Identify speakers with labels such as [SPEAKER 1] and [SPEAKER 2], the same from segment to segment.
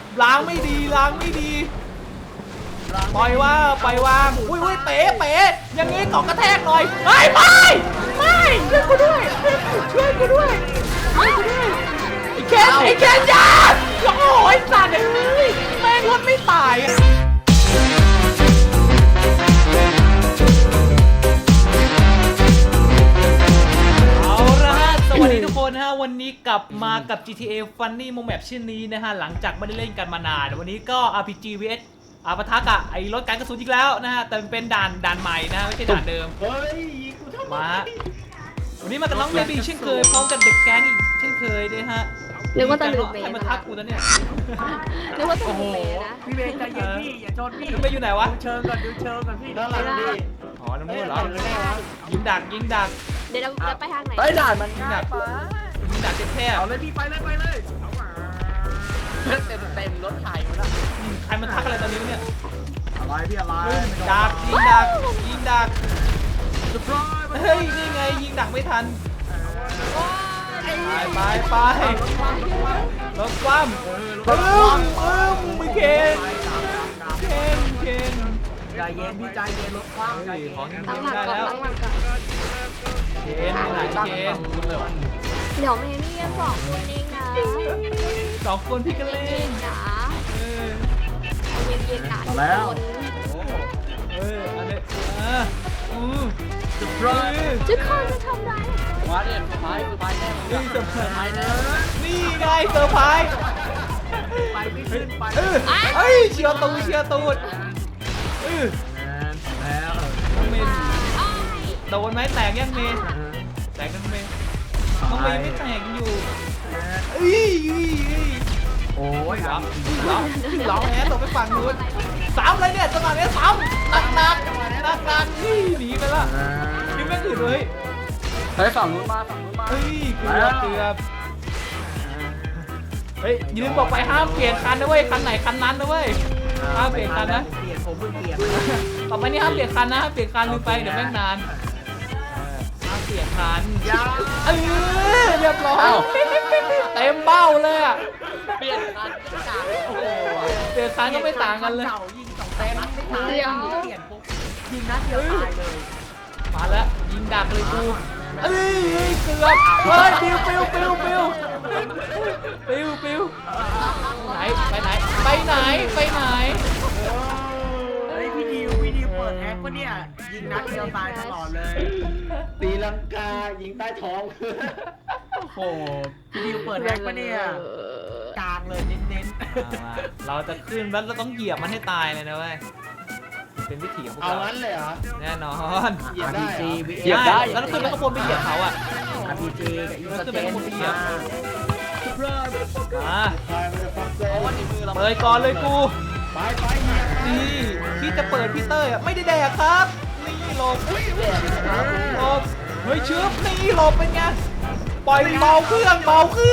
[SPEAKER 1] ล้างไม่ดีปล่อยว่าปล่อยวางอุ้ยเป๋อย่างงี้เกาะกระแทกหน่อยไม่ช่วยกูด้วยไอ้เคนยาโอ้ยสัตว์แม่งรถไม่ตายสวัสดีทุกคนนะฮะวันนี้กลับมากับ GTA Funny Mo Map ชื่อนี้นะฮะหลังจากไม่ได้เล่นกันมานานวันนี้ก็ RPG vs ปะทะกับไอ้รถการกระสุนอีกแล้วนะฮะแต่เป็นด่านใหม่นะไม่ใช่ด่านเดิมมาวันนี้มากับน้องเบบี้เช่นเคยพร้อมกับเด็กแก๊งอีกเช่นเคยด้วยฮะ
[SPEAKER 2] นึกว่าจะลืมเมย์
[SPEAKER 1] ใครมาทักกูตอนเนี้ย
[SPEAKER 2] นึกว่าจะลืมเมย์นะ
[SPEAKER 3] พี่เบย์ใจเย็นพี่อย่าชนพี่
[SPEAKER 1] ไปอยู่ไหนวะ
[SPEAKER 3] ดูเชิงก่อนพี่ด้านหลังพี่
[SPEAKER 1] อ๋อน้ำมือเหรอยิงดัก
[SPEAKER 2] เดี๋ยวเราไปทางไหน
[SPEAKER 3] เฮ้ยด่านมันง่ายไป
[SPEAKER 1] ยิงดักแคบ
[SPEAKER 3] เอาเลยพี่ไปเลยเอามาเต็มรถไถหมดละ
[SPEAKER 1] ใครมาทักอะไรตอนนี้เนี่ย
[SPEAKER 3] อะไรพี่อะไร
[SPEAKER 1] ดักยิงดักเฮ้ยนี่ไงยิงดักไม่ทันไปรถคว่ำไม่เคน
[SPEAKER 3] ใจเย็นพี่ใจเย็นรถคว่ำใจเย็น
[SPEAKER 2] ตั้งหลักก่อน
[SPEAKER 1] เคนไหนเคน
[SPEAKER 2] เดี๋ยวเมย์นี่ยัง2 คนเองนะ
[SPEAKER 1] 2 คนพี่ก็เล่
[SPEAKER 2] เย็
[SPEAKER 1] น
[SPEAKER 2] นๆนะ
[SPEAKER 1] เออ
[SPEAKER 2] เย็นๆนะทุกคน
[SPEAKER 1] อันนี้
[SPEAKER 3] สุดยอด
[SPEAKER 2] ทุกคนจะทำไร
[SPEAKER 3] มาเนี่ยสุดท้ายแน่
[SPEAKER 1] นี่ไงเซอร์ไพรส์
[SPEAKER 3] ไปไม่ขึ้นไป
[SPEAKER 1] เชียร์ตูด
[SPEAKER 3] แล้ว
[SPEAKER 1] น้องเมย์โดนไหมแตกยังเมย์แตกน้องเมย์ไม่แตกอยู่
[SPEAKER 3] โอ้ย
[SPEAKER 1] ร้องแอนตกไปฝั่งนู้นซ้ำเลยเนี่ยจังหวะนี้ซ้ำหนักหนีไปละนี่แม่งถือเลย
[SPEAKER 3] เฮ้ยฝั่งนู้นมา
[SPEAKER 1] เกือบเฮ้ยยืนบอกไปห้ามเปลี่ยนคันนะเว้ยคันไหนคันนั้นนะเว้ยห้ามเปลี่ยนคันนะ
[SPEAKER 3] เปลี่ยนผมเพิ่งเปลี่ยน
[SPEAKER 1] ต่อไปนี่ห้ามเปลี่ยนคันนะห้ามเปลี่ยนคันลืมไปเดี๋ยวแม่งนานห้ามเปลี่ยนคันเรียบร้อยเต็มเบ้าเลยอ่ะ
[SPEAKER 3] เปลี่ยนคันโอ้โห
[SPEAKER 1] เปลี่ยนคันก็ไม่ต่างกันเลย
[SPEAKER 3] เก่ายิง2 แต้มไม่ตายเปลี่ยนปุ๊บยิงนัดเดียวตายเลย
[SPEAKER 1] มาแล้วยิงดักเลยกูเกือบเฮ้ยปิวไหน
[SPEAKER 3] เฮ้ยพี่ดิวเปิดแอคปะเนี่ยยิงนัดเดียวตายตลอดเลย
[SPEAKER 4] ตีลังกายิงใต้ท้อง
[SPEAKER 3] โอ้โหพี่ดิวเปิดแอคปะเนี่ยกลางเลยเน้น
[SPEAKER 1] เราจะขึ้นแล้วเราต้องเหยียบมันให้ตายเลยนะเว้ยเป็นวิถีของพวก
[SPEAKER 4] เอา
[SPEAKER 1] เรา
[SPEAKER 4] งั้นเลยเหรอ
[SPEAKER 1] แน่นอน
[SPEAKER 4] เหยียบได้เหรอ
[SPEAKER 3] เหยียบได้
[SPEAKER 1] แล้วขึ้นไปข้างบนไปเหยียบเขาอ่ะ
[SPEAKER 3] RPG กับอินสเตน
[SPEAKER 1] มา
[SPEAKER 4] ใครมันจะฟักเซอร์
[SPEAKER 1] เปิดก่อนเลยกู
[SPEAKER 4] ไปเนี่ย
[SPEAKER 1] นี่พี่จะเปิดพี่เต้ยอ่ะไม่ได้แดกครับนี่หลบเฮ้ยชึบนี่หลบเป็นไงปล่อยเบาเครื่อง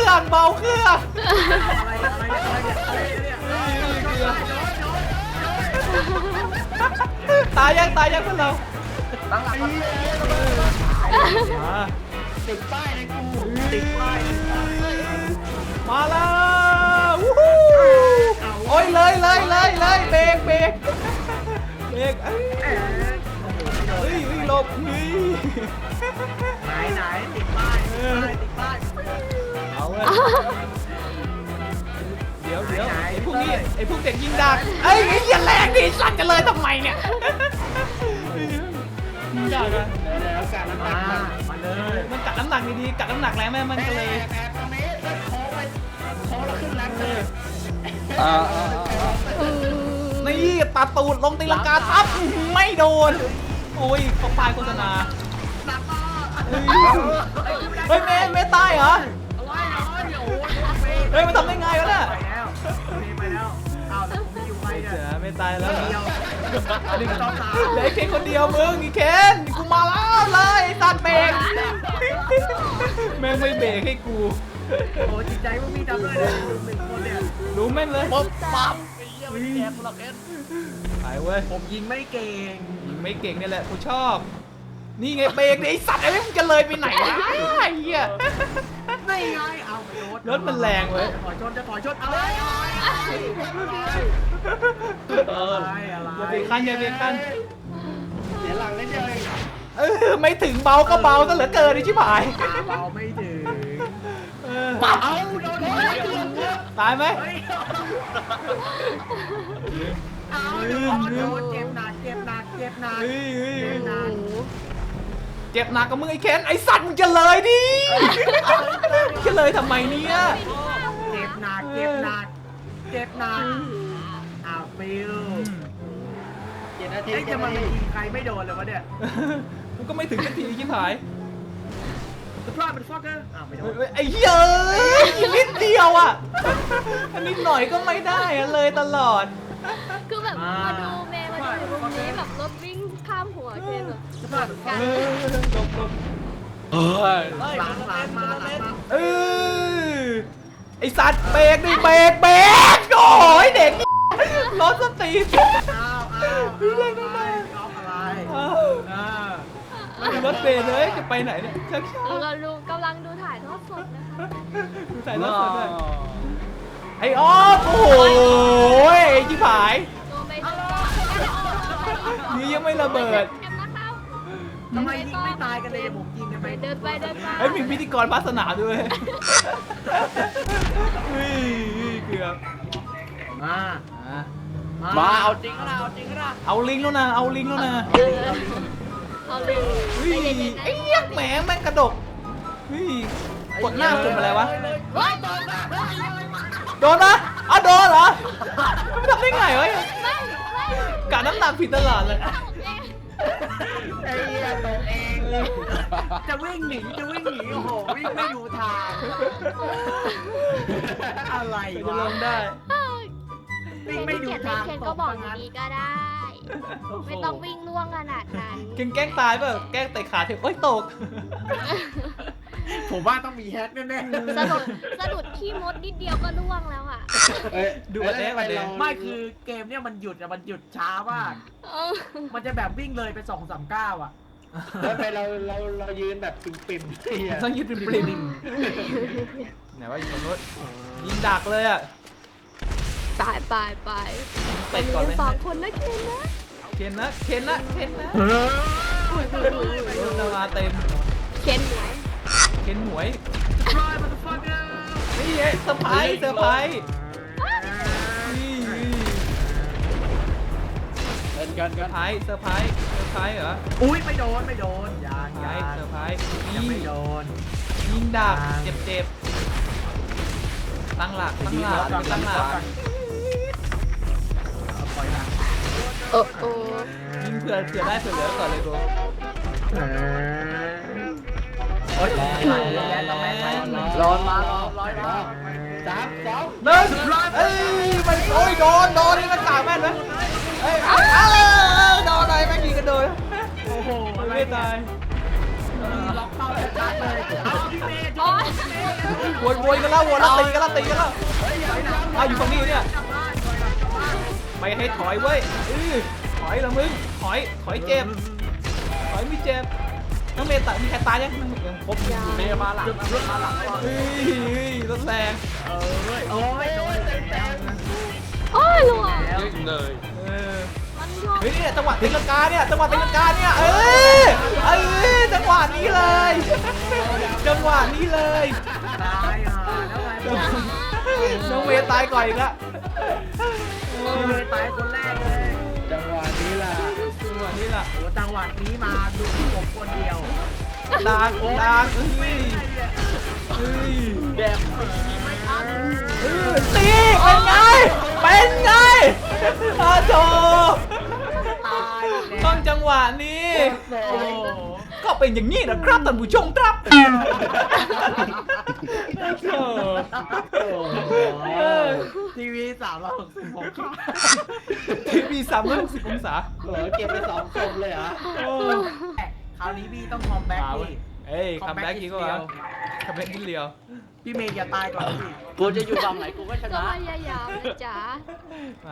[SPEAKER 1] ตายยังพวกเรา
[SPEAKER 3] ตั้งหลัก
[SPEAKER 4] ติดป้ายในกู
[SPEAKER 3] ติดป้าย
[SPEAKER 1] มาแล้ววู้ฮู้โอ้ยเลยเบรกหลบนี่
[SPEAKER 3] ไหนติดป้าย
[SPEAKER 1] เอาเว้ยเดี๋ยวไอ้พวกนี้ไอ้พวกเด็กยิงดักไอ้เหี้ยแรงดิสั่นกันเลยทำไมเนี่ยยิงดักอะ
[SPEAKER 4] แล้วการน้ำหนัก
[SPEAKER 3] มาเลย
[SPEAKER 1] มันกัดน้ำหนักดีๆกัดน้ำหนักแรงแม่มันก็เลย
[SPEAKER 4] แต่ตรงนี้โค้งแล้วขึ้นแรงเลย
[SPEAKER 1] นี่ตาตูดลงตีลังกาทับไม่โดนโอ้ยเขาปลายโฆษณาเฮ้ยเมย์ตายเหรอเฮ้ยมันทำได้ไงวะเนี่ย
[SPEAKER 3] ไปแล้วเอาแต่ผมไม่อยู่ไปเนี่ย
[SPEAKER 1] ไม่ตายแล้วเหรอ
[SPEAKER 3] เดียว
[SPEAKER 1] เหลือเคนคนเดียวมึงอีเคนกูมาแล้วเลยตัดเบรกแม่งไม่เบรกให้กู
[SPEAKER 3] โอ้จิตใจพวกพี่ทำด้วยเลย1 คนเนี่ย
[SPEAKER 1] รู้แม่นเลย
[SPEAKER 3] ปั๊บไอ้เหี้ยไม่ได้แดกกูหรอกเอ็น
[SPEAKER 1] ไปเว้ย
[SPEAKER 3] ผมยิงไม่เก่ง
[SPEAKER 1] ยิงไม่เก่งนี่แหละกูชอบนี่ไงเบรกไอ้สัตว์ไอ้มึงจะเลยไปไหนวะไอ้เหี้ย
[SPEAKER 3] ไม่ไงเอาไปโดน
[SPEAKER 1] รถมันแรงเว้ย
[SPEAKER 3] จะถอยชนอะไร
[SPEAKER 1] รกคันอย่าเบรกคัน
[SPEAKER 4] เสียหลังนิดเดียวเอง
[SPEAKER 1] ไม่ถึงเบาก็เบาซะเหลือเกินไอ้ชิบหาย
[SPEAKER 3] เบาไม่ถึง
[SPEAKER 4] เอาโดนเลย
[SPEAKER 1] ตายไหม
[SPEAKER 3] เฮ้ยเอาโดนเจ็บหนักเจ็บหนักเจ็บหนัก
[SPEAKER 1] เฮ้ย
[SPEAKER 3] เจ็บหนัก
[SPEAKER 1] เจ็บหนักกับมึงไอ้เคนไอ้สัตว์มึงจะเลยดิจะเลยทำไมเนี่ย
[SPEAKER 3] เจ็บหนักเจ็บหนักเจ็บหนักอ้าวฟิว
[SPEAKER 4] 7 นาที
[SPEAKER 3] เอ้ยจะมายิงใครไม่โดนเลยวะเนี่ย
[SPEAKER 1] กูก็ไม่ถึงสักทีชิบหาย
[SPEAKER 3] The Prime and Fucker อ้าวไม่โดน
[SPEAKER 1] ไอ้เหี้ยนิดเดียวอ่ะอันนี้หน่อยก็ไม่ได้อะเลยตลอด
[SPEAKER 2] คือแบบมาดูเมย์มาดูมุมนี้แบบรถวิ่งข้ามหัวเคนแบบ
[SPEAKER 3] The Prime and
[SPEAKER 2] กัน
[SPEAKER 3] Fucker หลังมา
[SPEAKER 1] เออไอสัตว์เบรกดิเบรกโอ้ยเด็กรถสตีน
[SPEAKER 3] อ้าวอะไร
[SPEAKER 1] รถเบรกเลยจะไปไหนเนี่ยชักช้า
[SPEAKER 2] เราดูกำลังดูถ่ายทอดสดนะคะ
[SPEAKER 1] ดูใส่รถสดเลยไอ้ออฟโอ้โหไอ้ชิบหาย
[SPEAKER 2] ตัวไม่ดู
[SPEAKER 1] นี่ยังไม่ระเบิด
[SPEAKER 2] กันนะครับ
[SPEAKER 3] ทำไมยิงไม่ตายกันเลยผมยิงกันไป
[SPEAKER 2] เดินไป
[SPEAKER 1] ไอ้ยมีพิธีกรพัสนามด้วยเฮ้ยเกือบ
[SPEAKER 4] มาเอาจริงก็นะเอาจริงก็นะ
[SPEAKER 1] เอาลิงแล้วนะเอาลิงแล้วนะ
[SPEAKER 2] เอาเลย
[SPEAKER 1] เฮ้ยไอ้เหี้ยแหมแม่งกระดกเฮ้ยกดหน้าปุ่มอะไรวะ
[SPEAKER 2] เฮ้ย
[SPEAKER 1] โดนนะอ้าวโดนเหรอไม่ทำได้ไงวะ
[SPEAKER 2] ไม่
[SPEAKER 1] กะน้ำหนักผิดตลอดเลย
[SPEAKER 3] ไอ้เหี้ยตกเองจะวิ่งหนีโอ้โหวิ่งไม่ดูทางอะไร
[SPEAKER 1] จะ
[SPEAKER 3] วะ
[SPEAKER 1] ลงได้
[SPEAKER 3] วิ่งไม่ดูทาง
[SPEAKER 2] เคนก็บอกอย่างนี้ก็ได้ ไม่ต้องวิ่งล่วงขนาดนั้น
[SPEAKER 1] เก่งแกล้งตายเปล่าแกล้งเตะขาเทปโอ๊ยตก
[SPEAKER 3] ผมว่าต้องมีแฮกแน่
[SPEAKER 2] สะดุดขี้มดนิดเดียวก็ล่วงแล้วอ่ะ
[SPEAKER 1] ดูอันนี้วันนี้
[SPEAKER 3] ๆไม่คือเกมเนี่ยมันหยุดช้ามาก มันจะแบบวิ่งเลยไป2-3 ก้าวอ่ะ
[SPEAKER 4] แล้วไปเรายืนแบบปิ่มๆที่
[SPEAKER 1] ต้องยืดปริมไหนว่าอยู่ตรงนู้นยิงดักเลยอ่ะ
[SPEAKER 2] ไป
[SPEAKER 1] เตะก่อนเลย
[SPEAKER 2] สองคนนะเคนนะ
[SPEAKER 1] เคนนะรถมาเต็ม
[SPEAKER 2] เคนไหน
[SPEAKER 1] เคนหวย
[SPEAKER 3] Try motherfucker
[SPEAKER 1] นี่ไงเซอร์ไพรส์นี่
[SPEAKER 4] กัน
[SPEAKER 1] เซอร์ไพรส์เหรอ
[SPEAKER 3] อุ้ยไม่โดนยัง
[SPEAKER 1] ย้ายเซอร์ไพรส์
[SPEAKER 3] ยังไม่โดน
[SPEAKER 1] ยิงดักเจ็บตั้งหลัก
[SPEAKER 3] ปล่อยหลัง
[SPEAKER 2] โอ้
[SPEAKER 1] ยิงเผื่อได้เผื่อเหลือก่อนเลยกู
[SPEAKER 3] โอ๊ย
[SPEAKER 4] ร้อนมาร้อยมา3 2
[SPEAKER 1] หนึ่งเอ้ยมันโอ้ยโดนนี่มันกาแม่นไหมเอ้ยโดนอะไรแม่งยิงกันโดน
[SPEAKER 3] โอ้โหอะไร
[SPEAKER 1] ไม่ตาย
[SPEAKER 3] ล็อกเป้าชัดเลยเอาพี่เมย์
[SPEAKER 2] โอ้ย
[SPEAKER 1] วนกันแล้วตีกันแล้วอยู่ตรงนี้เนี่ย
[SPEAKER 3] กลับบ้านกลับบ้าน
[SPEAKER 1] ไม่ให้ถอยเว้ยถอยละมึงถอยเจ็บถอยไม่เจ็บน้องเมย์ตายมีใครตายยังครบเมย์มาหลังเฮ้ยรถแรง
[SPEAKER 3] โอ้ยโดนแล้ว
[SPEAKER 2] โอ้ยหลวง
[SPEAKER 1] มัน
[SPEAKER 2] ชอบ
[SPEAKER 1] เฮ้ยนี่จังหวะตีลังกาเนี่ยจังหวะนี้เลยจังหวะนี้เลย
[SPEAKER 3] ตายห่าแล้วไง
[SPEAKER 1] น้องเมย์ตายก่อนอีกแล้ว
[SPEAKER 3] พี่เมย์ตายคนแรกเลย
[SPEAKER 4] จังหวะนี้ล่ะ
[SPEAKER 1] จังหวะนี้ล่ะ
[SPEAKER 3] โอ้จังหวะนี้มาดูผมคนเดียว
[SPEAKER 1] ดังเฮ้ย
[SPEAKER 4] แดง
[SPEAKER 1] ตีเป็นไงอาโถ
[SPEAKER 3] ตาย
[SPEAKER 1] ต้องจังหวะนี้
[SPEAKER 3] โอ้
[SPEAKER 1] ก็เป็นอย่างนี้นะครับท่านผู้ชมครับ
[SPEAKER 3] ทีวี360ผมครับ
[SPEAKER 1] ทีวี360 องศา
[SPEAKER 4] เก็บไป2 คนเลยเหรอ
[SPEAKER 3] คราวนี้พี่ต้องคอมแบ็กพี่
[SPEAKER 1] เอ้ยคัมแบ็กอีกก็วะคัมแบ็กนิดเดียว
[SPEAKER 3] พี่เมย์อย่าตายก่อนพี่
[SPEAKER 4] กูจะอยู่ฝั่งไหนกูก็ช
[SPEAKER 2] ก็
[SPEAKER 4] นะ
[SPEAKER 2] พยายามนะจ๊ะ
[SPEAKER 1] มา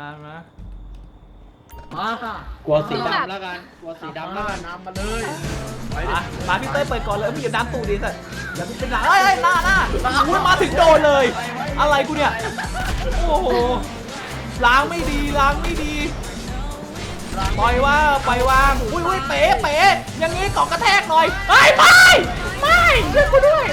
[SPEAKER 4] กลัวสีดำแล้วกันกลัวสีดำแล้วกัน
[SPEAKER 3] นำมาเลย
[SPEAKER 1] มาพี่เต้ยเปิดก่อนเลยไม่อย่าน้ำตูดีสัตว์อย่าเป็นหนาเอ้ยหน้าอุ้ยมาถึงโดนเลย อะไรกูเนี่ย โอ้โหล้างไม่ดีปล่อยวางอุ้ยเป๋อย่างงี้เกาะกระแทกหน่อยไม่ช่วยกูด้วย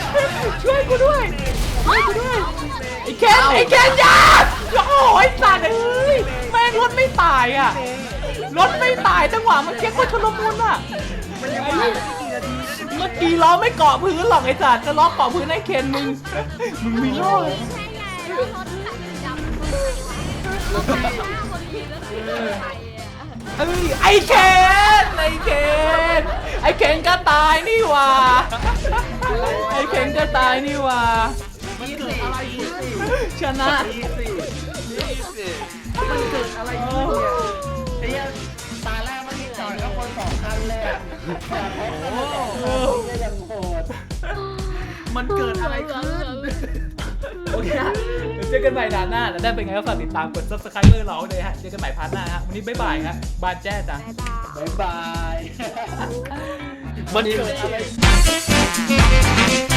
[SPEAKER 1] ไอ้เคนยาโอ้ยสัตว์เอ้ยแม่งรถไม่ตายอ่ะรถไม่ตายจังหวะมันเช็คว่าชุลมุนอ่ะ
[SPEAKER 3] มันยังไม่กี่นาทีแล้ว
[SPEAKER 1] เมื่อกี้ล้อไม่เกาะพื้นหรอกไอ้สัตว์จะล้อเกาะพื้นให้เคนมึงมีล้อ
[SPEAKER 2] ใช่ไงแล้วรถขับดำรถหน้าคนขี่แล้วขี่ไปอ่ะ
[SPEAKER 1] ไอ้เคนก็ตายนี่หว่าไอ้เคนก็ตายนี่หว่า
[SPEAKER 3] มันเกิดอะไรขึ้น
[SPEAKER 1] ชนะ
[SPEAKER 3] มันเกิดอะไรขึ้นเนี่ยไอ้เหี้ยตาแรกมันจอดข้างบน2 คันเลยอะมันเกิดอะไรขึ้น
[SPEAKER 1] โอเคฮะเดี๋ยวเจอกันใหม่ด่านหน้าแล้วได้เป็นไงก็ฝากติดตามกด subscribe เราเลยฮะเจอกันใหม่พาร์ทหน้าฮะวันนี้บ๊ายบายฮะบานแจ้จ้ะ
[SPEAKER 2] บ๊ายบาย
[SPEAKER 3] บ๊ายบายมันเกิดอะไร